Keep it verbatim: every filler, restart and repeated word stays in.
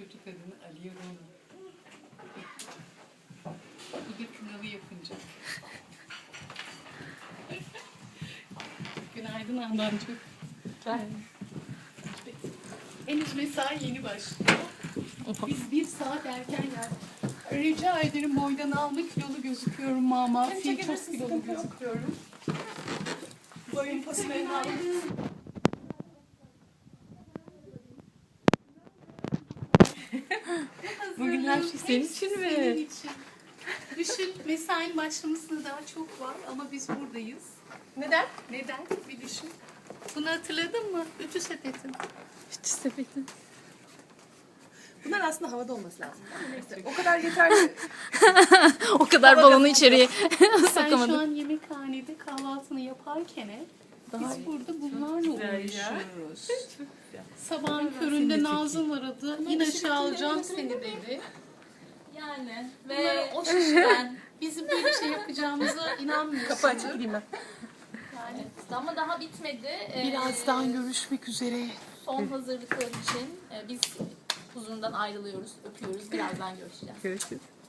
kötü kadını Aliye Rona. Bu da kınalı yapınca. Günaydın Handancığım. Henüz mesai yeni başlıyor. Biz bir saat erken geldik. Rica ederim, boydan alma, kilolu gözüküyorum mama. Fil çok kilolu gözüküyorum. Boyun pasını aldım. Bugün her şey senin için mi? Senin için. Düşün, mesain başlamasına daha çok var ama biz buradayız. Neden? Neden? Bir düşün. Bunu hatırladın mı? Ütü sepetin. Ütü sepeti. Bunlar aslında havada olması lazım. Ama neyse. O kadar yeterli. O kadar balonu içeriye Sen sokamadım. şu an yemekhanede kahvaltını yaparken biz burada bunlarla uğraşıyoruz. Sabahın köründe Nazım aradı. İn aşağı alacağım seni dedi. Yani Bunları ve o şişeden bizim böyle bir şey yapacağımıza inanmıyorsun. Kapı açık gideyim ben. yani ama daha bitmedi. Ee, Birazdan görüşmek üzere. son hazırlıklar için e, biz huzurundan ayrılıyoruz, öpüyoruz. Birazdan görüşeceğiz. Görüşürüz.